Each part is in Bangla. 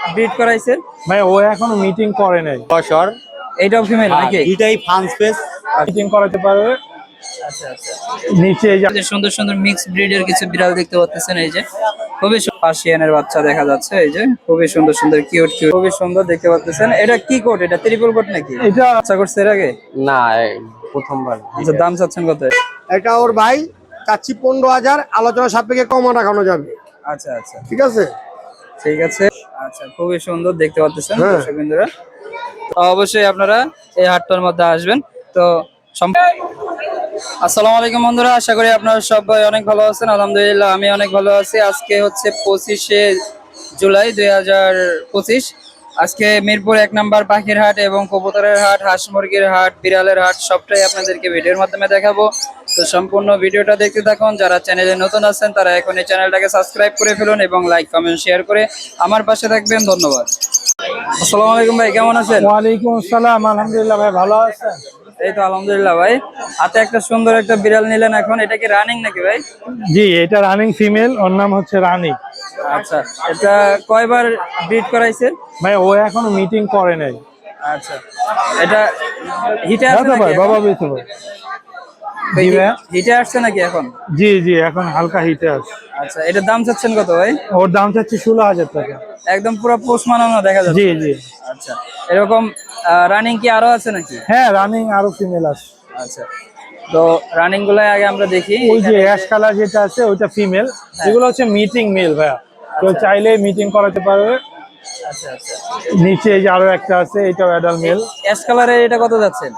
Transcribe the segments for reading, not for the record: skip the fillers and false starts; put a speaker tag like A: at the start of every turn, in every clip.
A: ব্রিড করাইছেন?
B: ভাই ও এখনো মিটিং করে নাই।
C: বছর
A: এইটাও ফিমেল নাকি?
C: এটাই ফান স্পেস
B: মিটিং করাতে পারবে।
A: আচ্ছা আচ্ছা।
B: নিচে এই যে
A: সুন্দর সুন্দর মিক্স ব্রিডের কিছু বিড়াল দেখতে পাচ্ছেন। এই যে খুবই পার্সিয়ানের বাচ্চা দেখা যাচ্ছে। এই যে খুবই সুন্দর সুন্দর কিউট কিউট, খুবই সুন্দর দেখতে পাচ্ছেন। এটা কি কোট? এটা ট্রিপল কোট নাকি?
B: এটা
A: বাচ্চা করছে এর আগে?
C: না, প্রথমবার।
A: আচ্ছা, দাম চাচ্ছেন কত?
D: এটা ওর ভাই চাচ্ছি 15,000, আলোচনা সাপেক্ষে কম রাখানো যাবে।
A: আচ্ছা আচ্ছা,
D: ঠিক আছে
A: ঠিক আছে। আচ্ছা, খুবই সুন্দর দেখতে পাচ্ছেন
D: হ্যাঁ।
A: দর্শক বিন্দুরা। তো অবশ্যই আপনারা এই হাটটার মধ্যে আসবেন। তো আসসালামু আলাইকুম বন্ধুরা, আশা করি আপনারা সবাই অনেক ভালো আছেন। আলহামদুলিল্লাহ আমি অনেক ভালো আছি। আজকে হচ্ছে 25শে জুলাই 2025। আজকে মিরপুর 1 নম্বর পাখির হাট এবং কবুতরের হাট, হাঁস মুরগির হাট, বিড়ালের হাট সবটাই আপনাদেরকে ভিডিওর মাধ্যমে দেখাবো। তো সম্পূর্ণ ভিডিওটা দেখতে থাকুন। যারা চ্যানেলে নতুন আছেন তারা এখন এই চ্যানেলটাকে সাবস্ক্রাইব করে ফেলুন এবং লাইক কমেন্ট শেয়ার করে আমার পাশে থাকবেন। ধন্যবাদ। আসসালামু আলাইকুম ভাই, কেমন আছেন?
B: ওয়ালাইকুম আসসালাম। আলহামদুলিল্লাহ ভাই, ভালো আছেন?
A: এই তো আলহামদুলিল্লাহ ভাই। হাতে একটা সুন্দর একটা বিড়াল নিলেন এখন, এটা কি রানিং নাকি ভাই?
B: জি, এটা রানিং ফিমেল, ওর নাম হচ্ছে রানী।
A: আচ্ছা, এটা কয়বার ব্রিড করাইছেন?
B: ভাই ও এখনো মিটিং করে নাই।
A: আচ্ছা, এটা হিটে আসছে
B: দাদা
A: নাকি
B: ভাই,
A: এখন?
B: বাবা বেঁচে ভাই।
A: ভাই,
B: জি ভাই।
A: হিটে আসছে নাকি এখন?
B: জি জি, এখন হালকা হিটে আছে।
A: আচ্ছা, এটার দাম চাচ্ছেন কত ভাই?
B: ওর দাম চাচ্ছি 16,000 টাকা।
A: একদম পুরো পোষ মানানো দেখা যাচ্ছে।
B: জি জি।
A: আচ্ছা, এরকম রানিং কি আরো আছে নাকি?
B: হ্যাঁ, রানিং আরো ফিমেল আছে।
A: আচ্ছা, তো রানিং গুলাই আগে আমরা দেখি।
B: ওই যে অ্যাশ কালার যেটা আছে ওইটা ফিমেল, এগুলো হচ্ছে মিটিং মেল ভাইয়া। কেউ চাইলে মিটিং করাতে পারবে।
A: আচ্ছা আচ্ছা,
B: নিচে এই যে আরো একটা আছে, এটাও অ্যাডাল্ট মেল।
A: অ্যাশ কালারের এটা কত যাচ্ছেন?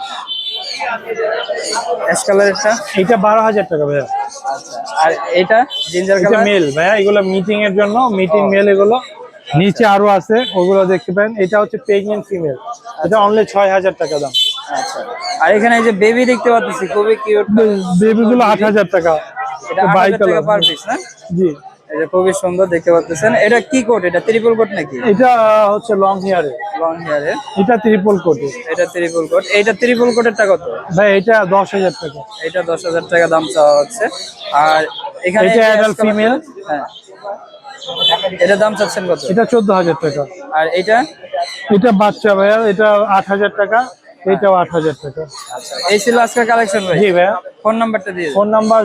A: অ্যাশ কালারেরটা?
B: এটা 12,000 টাকা ভাইয়া।
A: আচ্ছা, আর এটা জিঞ্জার
B: এটা
A: কালার?
B: মেল ভাইয়া, এগুলো মিটিং এর জন্য, মিটিং মেল এগুলো। নিচে আরো আছে, ওগুলো দেখতে পারেন। এটা হচ্ছে প্রেগনেন্ট ফিমেল, এটা অনলি 6,000 টাকা দাম।
A: আচ্ছা, আর এখানে এই যে বেবি দেখতে পাচ্ছি, খুবই কিউট।
B: বেবি গুলো 8,000 টাকা।
A: এটা
B: বাই
A: 8,000 টাকা
B: কালার।
A: পার পিস না?
B: জি।
A: এটা খুবই সুন্দর দেখতে পাচ্ছেন। এটা কি কোট? এটা ট্রিপল কোট নাকি?
B: এটা হচ্ছে লং হেয়ারে।
A: লং হেয়ারে।
B: এটা ট্রিপল কোট।
A: এটা ট্রিপল কোট। এইটা ট্রিপল কোটেরটা কত?
B: ভাই এটা 10,000 টাকা।
A: এটা 10,000 টাকা দাম চাওয়া হচ্ছে। আর এখানে
B: এটা অ্যাডাল্ট ফিমেল।
A: হ্যাঁ, এটার দাম চাচ্ছেন কত?
B: এটা 14,000 টাকা।
A: আর এটা?
B: এটা বাচ্চা ভাইয়া, এটা 8,000 টাকা, এটাও 8,000 টাকা।
A: আচ্ছা, এই ছিল আজকের কালেকশন ভাই।
B: জি ভাইয়া।
A: ফোন নাম্বারটা দিয়ে দিন।
B: Phone number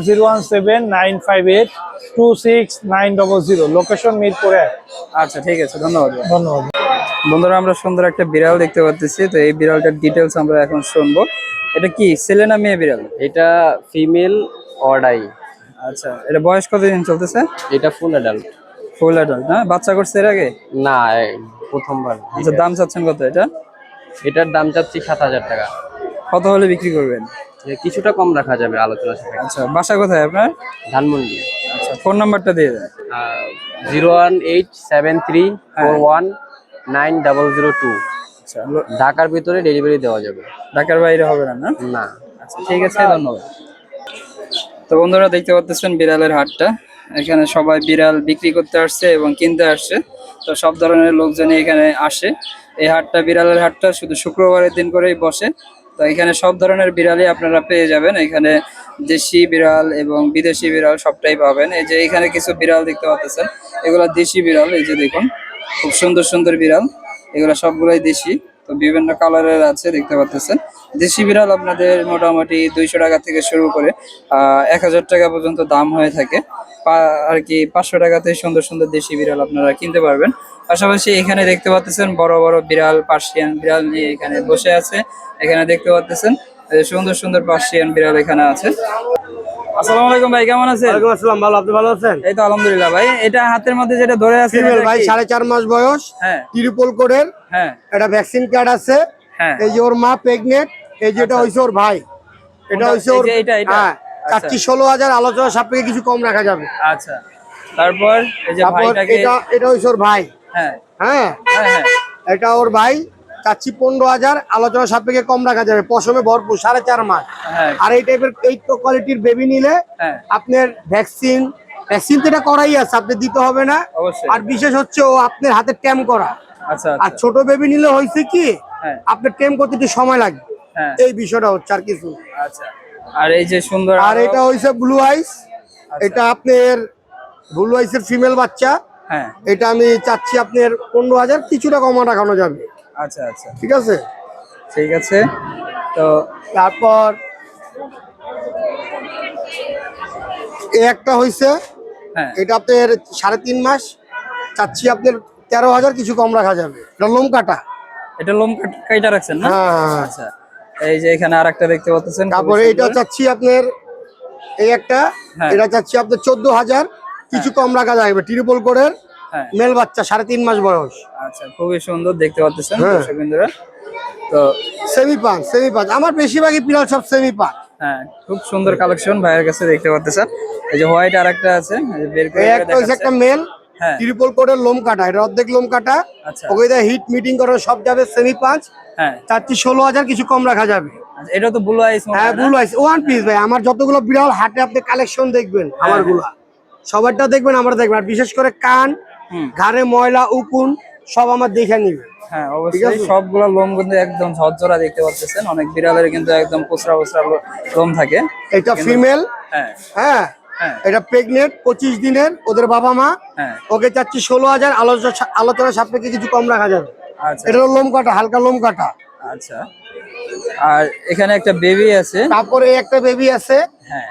B: 017-958-26900, location Mirpur 1।
A: আচ্ছা, ঠিক আছে, ধন্যবাদ ভাই।
B: ধন্যবাদ।
A: বন্ধুরা, আমরা সুন্দর একটা বিড়াল দেখতে পাচ্ছি। তো এই বিড়ালটার ডিটেলস আমরা এখন শুনবো। এটা কি ছেলে না মেয়ে বিড়াল?
C: এটা ফিমেল অর্ডাই।
A: আচ্ছা, এটা বয়স কতদিন চলতেছে?
C: এটা ফুল অ্যাডাল্ট।
A: ফুল অ্যাডাল্ট না? বাচ্চা করছে এর আগে?
C: না, প্রথমবার।
A: আচ্ছা, দাম চাচ্ছেন কত এটা?
C: এটার দাম চাচ্ছি 7,000 টাকা।
A: কত হলে বিক্রি করবেন?
C: কিছুটা কম রাখা যাবে আলোচনা সাপেক্ষে।
A: আচ্ছা, বাসা কোথায় আপনার?
C: ধানমন্ডি।
A: আচ্ছা, ফোন নাম্বারটা দিয়ে দেন।
C: 01873419002।
A: আচ্ছা,
C: ঢাকার ভিতরে ডেলিভারি দেওয়া যাবে।
A: ঢাকার বাইরে হবে না? না?
C: না।
A: আচ্ছা, ঠিক আছে, ধন্যবাদ। তো বন্ধুরা, দেখতে পাচ্ছেন বিড়ালের হাটটা। এখানে সবাই বিড়াল বিক্রি করতে আসছে এবং কিনতে আসছে। তো সব ধরনের লোকজনই এখানে আসে। এই হাটটা, বিড়ালের হাটটা শুধু শুক্রবারের দিন করেই বসে। তো এখানে সব ধরনের বিড়ালই আপনারা পেয়ে যাবেন। এখানে দেশি বিড়াল এবং বিদেশি বিড়াল সবটাই পাবেন। এই যে এখানে কিছু বিড়াল দেখতে পাচ্ছেন, এগুলো দেশি বিড়াল। এই যে দেখুন, খুব সুন্দর সুন্দর বিড়াল, এগুলো সবগুলোই দেশি। তো বিভিন্ন কালারের আছে দেখতে পাচ্ছেন। দেশি বিড়াল আপনাদের মোটামুটি 200 টাকা থেকে শুরু করে 1,000 টাকা পর্যন্ত দাম হয়ে থাকে আর কি। 500 টাকাতে সুন্দর সুন্দর দেশি বিড়াল আপনারা কিনতে পারবেন। পাশাপাশি এখানে দেখতে পাচ্ছেন বড় বড় বিড়াল, পার্সিয়ান বিড়াল নিয়ে এখানে বসে আছে। এখানে দেখতে পাচ্ছেন সুন্দর সুন্দর পার্সিয়ান বিড়াল এখানে আছে। আসসালামু আলাইকুম ভাই, কেমন আছেন?
D: ওয়ালাইকুম আসসালাম, ভালো। আপনি ভালো আছেন?
A: এই তো আলহামদুলিল্লাহ ভাই। এটা হাতের মধ্যে যেটা ধরে আছে
D: ফিমেল ভাই, 4.5 মাস বয়স,
A: হ্যাঁ
D: ট্রিপল কোডের।
A: হ্যাঁ
D: এটা ভ্যাকসিন কার্ড আছে।
A: হ্যাঁ।
D: এই যে ওর মা প্রেগনেন্ট, এই যেটা
A: আচ্ছা।
D: হইছে ওর ভাই, এটা হইছে ওর।
A: এই যে এটা।
D: হ্যাঁ, চাচ্ছি 16,000, আলোচনা সাপেক্ষে কিছু কম রাখা যাবে।
A: আচ্ছা, তারপর এই যে
D: তারপর
A: ভাইটাকে,
D: এটা হইছে ওর ভাই।
A: হ্যাঁ
D: হ্যাঁ,
A: হ্যাঁ হ্যাঁ,
D: এটা ওর ভাই, চাচ্ছি 15,000, আলোচনা সাপেক্ষে কম রাখা যাবে। পশমে ভরপুর, 4.5 মাস।
A: হ্যাঁ
D: আর এই টাইপের এই কোয়ালিটির বেবি নিলে
A: হ্যাঁ,
D: আপনার ভ্যাকসিন তো এটা করাই আছে, আপনি দিতে হবে না।
A: অবশ্যই।
D: আর বিশেষ হচ্ছে ও আপনার হাতে ট্যাম করা।
A: আচ্ছা
D: আর
A: আচ্ছা,
D: ছোট বেবি নিলে হয়েছে কি,
A: হ্যাঁ
D: আপনার টেম করতে একটু সময় লাগবে।
A: হ্যাঁ,
D: এই বিষয়টা হচ্ছে, আর কিছু।
A: আচ্ছা। আর এই যে সুন্দর,
D: আর এটা হইছে ব্লু আইস।
A: আচ্ছা।
D: এটা আপনার ব্লু আইসের ফিমেল বাচ্চা।
A: হ্যাঁ
D: এটা আমি চাচ্ছি আপনার 15,000, কিছুটা কমা রাখানো যাবে।
A: আচ্ছা আচ্ছা
D: ঠিক আছে।
A: ঠিক আছে। তো
D: তারপর এই একটা হয়েছে,
A: হ্যাঁ
D: এটা আপনার 3.5 মাস, চাচ্ছি আপনার 13,000, কিছু কম রাখা যাবে। এটা লোম কাটা।
A: এটা লোম কাইটা রাখছেন না?
D: হ্যাঁ।
A: আচ্ছা এই যে এখানে আরেকটা দেখতে পাচ্ছেন,
D: তারপরে এটা চাচ্ছি আপনার এই একটা,
A: হ্যাঁ।
D: এটা চাচ্ছি আপনার 14,000, কিছু কম রাখা যাবে। ট্রিপল কোডের
A: হ্যাঁ
D: মেল বাচ্চা, 3.5 মাস বয়স।
A: আচ্ছা খুবই সুন্দর দেখতে পাচ্ছেন
D: হ্যাঁ।
A: দর্শক বিন্দুরা। তো
D: সেমি পাঁচ আমার বেশিরভাগই বিড়াল সব সেমি পাঁচ।
A: হ্যাঁ খুব সুন্দর কালেকশন ভাইয়ের কাছে দেখতে পাচ্ছেন। এই যে হোয়াইট আরেকটা আছে, এই যে বের করে
D: এই একটা হচ্ছে
A: দেখাচ্ছে।
D: একটা মেল,
A: হ্যাঁ
D: ট্রিপল কোডের লোম কাটা, এটা অর্ধেক লোম কাটা।
A: আচ্ছা
D: ওকে হিট মিটিং করার সব যাবে সেমি পাঁচ,
A: হ্যাঁ
D: চাচ্ছি 16,000, কিছু কম রাখা যাবে।
A: আচ্ছা, এটা তো ব্লু আইস
D: হ্যাঁ ব্লু আইস ওয়ান পিস ভাই। আমার যতগুলো বিড়াল হাটে আপনি কালেকশন দেখবেন, আমার গুলা সবারটা দেখবেন, আমার দেখবেন। আর বিশেষ করে কান,
A: হুম।
D: ঘাড়ে ময়লা, উকুন সব আমার দেখে নিবে।
A: হ্যাঁ অবশ্যই সবগুলা লোম কিন্তু একদম ঝরঝরা দেখতে পাচ্ছেন। অনেক বিড়ালের কিন্তু একদম পোচরা পোচরা লোম থাকে।
D: এটা ফিমেল।
A: হ্যাঁ
D: হ্যাঁ
A: হ্যাঁ
D: এটা প্রেগনেন্ট, 25 দিনের, ওদের বাবা মা।
A: হ্যাঁ
D: ওকে চাচ্ছি 16,000, আলোচনা সাপেক্ষে কিছু কম রাখা যাবে।
A: আচ্ছা
D: এটা লোম কাটা, হালকা লোম কাটা।
A: আচ্ছা। আর এখানে একটা বেবি আছে।
D: তারপরে একটা বেবি আছে,
A: হ্যাঁ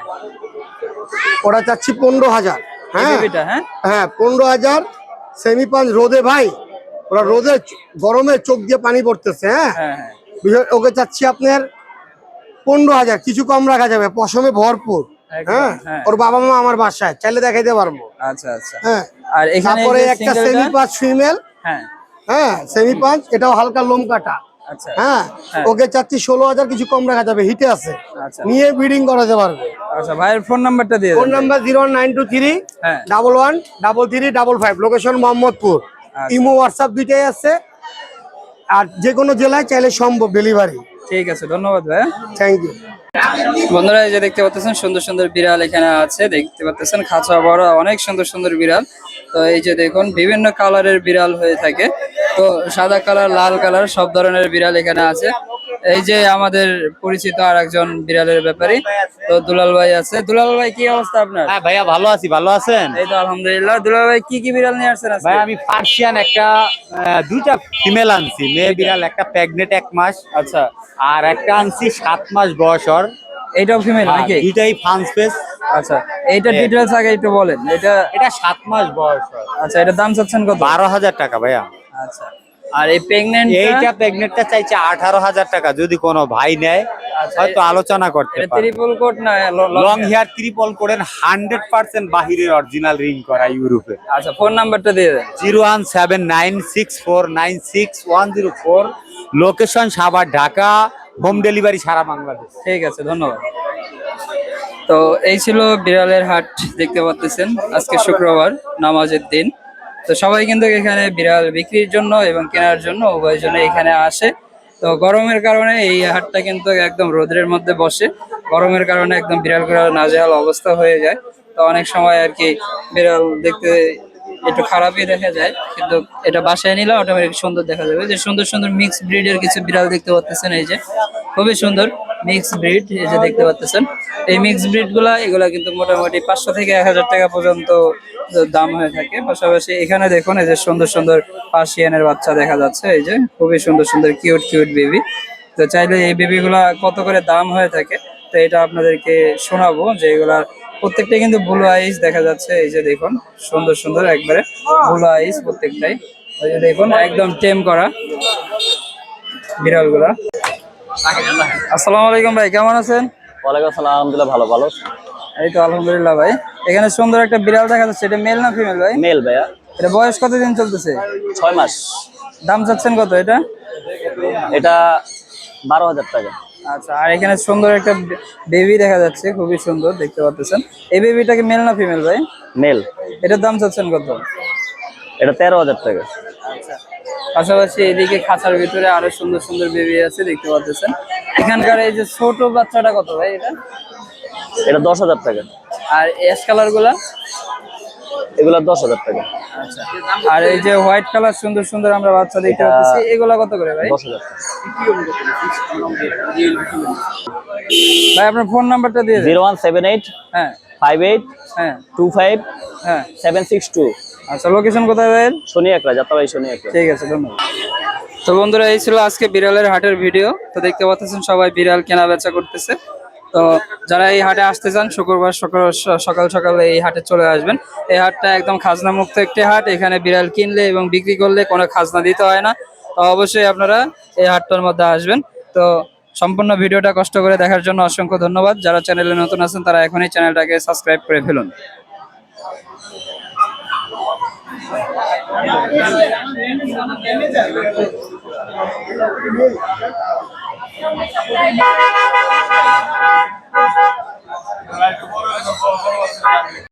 D: ওরা চাচ্ছি 15,000।
A: এই
D: হ্যাঁ
A: বেবিটা হ্যাঁ
D: হ্যাঁ 15,000, সেমি পাঁচ। রোদে ভাই, ওরা রোদে গরমে চোখ দিয়ে পানি পড়তেছে। হ্যাঁ
A: হ্যাঁ হ্যাঁ
D: ওকে চাচ্ছি আপনার 15,000, কিছু কম রাখা যাবে। পশমে ভরপুর।
A: একদম,
D: হ্যাঁ
A: হ্যাঁ।
D: ওর বাবা মা আমার বাসায়, চাইলে দেখাইতে পারবো।
A: আচ্ছা আচ্ছা।
D: হ্যাঁ
A: আর এখানে
D: তারপরে
A: এই যে
D: একটা
A: single
D: সেমি
A: টা-
D: পাঁচ ফিমেল।
A: হ্যাঁ
D: হ্যাঁ সেমি পাঁচ, এটাও হালকা লোম কাটা।
A: আচ্ছা
D: হ্যাঁ
A: হ্যাঁ।
D: ওকে চাচ্ছি 16,000, কিছু কম রাখা যাবে। হিটে আছে,
A: আচ্ছা
D: নিয়ে ব্রিডিং করাতে পারবে।
A: আচ্ছা ভাইয়ের ফোন নাম্বারটা দিয়ে
D: ফোন
A: দেন।
D: নাম্বার 01923
A: হ্যাঁ
D: 113355, লোকেশন মোহাম্মদপুর।
A: আচ্ছা।
D: ইমো হোয়াটসঅ্যাপ দুইটাই আছে, আর যে কোনো জেলায় চাইলে সম্ভব ডেলিভারি।
A: ঠিক আছে, ধন্যবাদ ভাই।
D: Thank you.
A: বন্ধুরা এই যে দেখতে পাচ্ছেন সুন্দর সুন্দর বিড়াল এখানে আছে, দেখতে পাচ্ছেন খাঁচা বড় অনেক সুন্দর সুন্দর বিড়াল। তো এই যে দেখুন বিভিন্ন কালারের বিড়াল হয়ে থাকে, তো সাদা কালার, লাল কালার সব ধরনের বিড়াল এখানে আছে। এই যে আমাদের পরিচিত আর একজন বিড়ালের ব্যাপারী, তো দুলাল ভাই আছে। দুলাল ভাই কি অবস্থা আপনার?
E: হ্যাঁ ভাইয়া ভালো আছি, ভালো আছেন?
A: এই তো আলহামদুলিল্লাহ। দুলাল ভাই কি কি বিড়াল নিয়ে আসছেন আজকে?
E: ভাই আমি পার্সিয়ান একটা দুইটা ফিমেল আনছি, মেয়ে বিড়াল, একটা প্রেগনেন্ট 1 মাস,
A: আচ্ছা
E: আর একটা আনছি 7 মাস বয়স ওর।
A: এইটাও ফিমেল নাকি?
E: দুইটাই ফান্স পেস।
A: আচ্ছা এইটা ডিটেইলস আগে একটু বলেন।
E: এটা 7 মাস বয়স ওর।
A: আচ্ছা এটা দাম চাচ্ছেন কত?
E: 12,000 টাকা ভাইয়া।
A: আচ্ছা আর এই প্রেগন্যান্ট
E: এইটা প্রেগনেন্টটা চাইছে 18,000 টাকা, যদি কোনো ভাই নেয়
A: আচ্ছা,
E: হয়তো আলোচনা করতে
A: এটা
E: পারে।
A: ট্রিপল কোট না
E: লং হেয়ার ট্রিপল কোডের 100% বাহিরের অরিজিনাল রিং করা ইউরোপে।
A: আচ্ছা ফোন নাম্বারটা দিয়ে দেন।
E: 01796496104, location Savar, Dhaka, home delivery সারা বাংলাদেশ।
A: ঠিক আছে ধন্যবাদ। তো এই ছিল বিড়ালের হাট, দেখতে পাচ্ছেন আজকে শুক্রবার, নামাজের দিন। তো সবাই কিন্তু এখানে বিড়াল বিক্রির জন্য এবং কেনার জন্য উভয় জন্য এখানে আসে। তো গরমের কারণে এই হাটটা কিন্তু একদম রোদের মধ্যে বসে, গরমের কারণে একদম বিড়ালগুলো নাজেহাল অবস্থা হয়ে যায়। তো অনেক সময় আর কি বিড়াল দেখতে একটু খারাপই দেখা যায়, কিন্তু এটা বাসায় নিলে অটোমেটিক সুন্দর দেখা যাবে। যে সুন্দর সুন্দর মিক্স ব্রিডের কিছু বিড়াল দেখতে পাচ্ছেন, এই যে খুবই সুন্দর মিক্স ব্রিড, এই যে দেখতে পাচ্ছেন। এই মিক্স ব্রিড এগুলা কিন্তু মোটামুটি 500 থেকে 1000 টাকা পর্যন্ত দাম হয়ে থাকে। পাশাপাশি এখানে দেখুন এই যে সুন্দর সুন্দর পার্সিয়ানের বাচ্চা দেখা যাচ্ছে, এই যে খুবই সুন্দর সুন্দর কিউট কিউট বেবি। তো চাইলে এই বেবিগুলা কত করে দাম হয়ে থাকে, তো এটা আপনাদেরকে শোনাবো। যে এগুলার প্রত্যেকটা কিন্তু ব্লু আইস দেখা যাচ্ছে, এই যে দেখুন সুন্দর সুন্দর একবারে ব্লু আইস প্রত্যেকটাই। এই যে দেখুন একদম টেম করা বিড়ালগুলা। আসসালামু আলাইকুম ভাই, কেমন আছেন?
C: ওয়ালাইকুম আসসালাম, আলহামদুলিল্লাহ ভালো। ভালো
A: এই তো আলহামদুলিল্লাহ ভাই। এখানে সুন্দর একটা বিড়াল দেখা যাচ্ছে, এটা মেল না ফিমেল ভাই?
C: মেল ভাইয়া,
A: এটা বয়স কতদিন চলতেছে?
C: 6 মাস।
A: দাম চাচ্ছেন কত এটা?
C: এটা 12,000 টাকা।
A: আচ্ছা আর এখানে সুন্দর একটা বেবি দেখা যাচ্ছে, খুবই সুন্দর দেখতে পাচ্ছেন। এই বেবিটাকে মেল না ফিমেল ভাই?
C: মেল।
A: এটার দাম চাচ্ছেন কত?
C: এটা 13,000 টাকা।
A: আচ্ছা পাশাপাশি এদিকে খাঁচার ভিতরে আরো সুন্দর সুন্দর বেবি আছে, দেখতে পাচ্ছেন। এখানকার এই যে ছোট বাচ্চাটা কত ভাই এটা?
C: এটা 10,000 টাকা।
A: আর অ্যাশ কালার গুলা?
C: এগুলা 10,000 টাকা।
A: আচ্ছা আর এই যে হোয়াইট কালার সুন্দর সুন্দর আমরা বাচ্চা দেখতে পাচ্ছি, এগুলা কত করে ভাই?
C: 10,000 টাকা।
A: ভাই আপনার ফোন নাম্বারটা দিয়ে দেন।
C: 0178
A: হ্যাঁ
C: 58
A: হ্যাঁ
C: 25
A: হ্যাঁ
C: 762।
A: আচ্ছা, লোকেশন কোথায় ভাইয়ের?
C: শনি একরা, যাত্রাবাড়ি শনি একরা।
A: ঠিক আছে, ধন্যবাদ। তো বন্ধুরা, এই ছিল আজকে বিড়ালের হাটের ভিডিও। তো দেখতে পাচ্ছেন সবাই বিড়াল কেনা বেচা করতেছে। তো যারা এই হাটে আসতে চান, শুক্রবার সকাল সকাল এই হাটে চলে আসবেন। এই হাটটা একদম খাজনা মুক্ত একটি হাট। এখানে বিড়াল কিনলে এবং বিক্রি করলে কোনো খাজনা দিতে হয় না। তো অবশ্যই আপনারা এই হাটটার মধ্যে আসবেন। তো সম্পূর্ণ ভিডিওটা কষ্ট করে দেখার জন্য অসংখ্য ধন্যবাদ। যারা চ্যানেলে নতুন আছেন তারা এখনই চ্যানেলটাকে সাবস্ক্রাইব করে ফেলুন।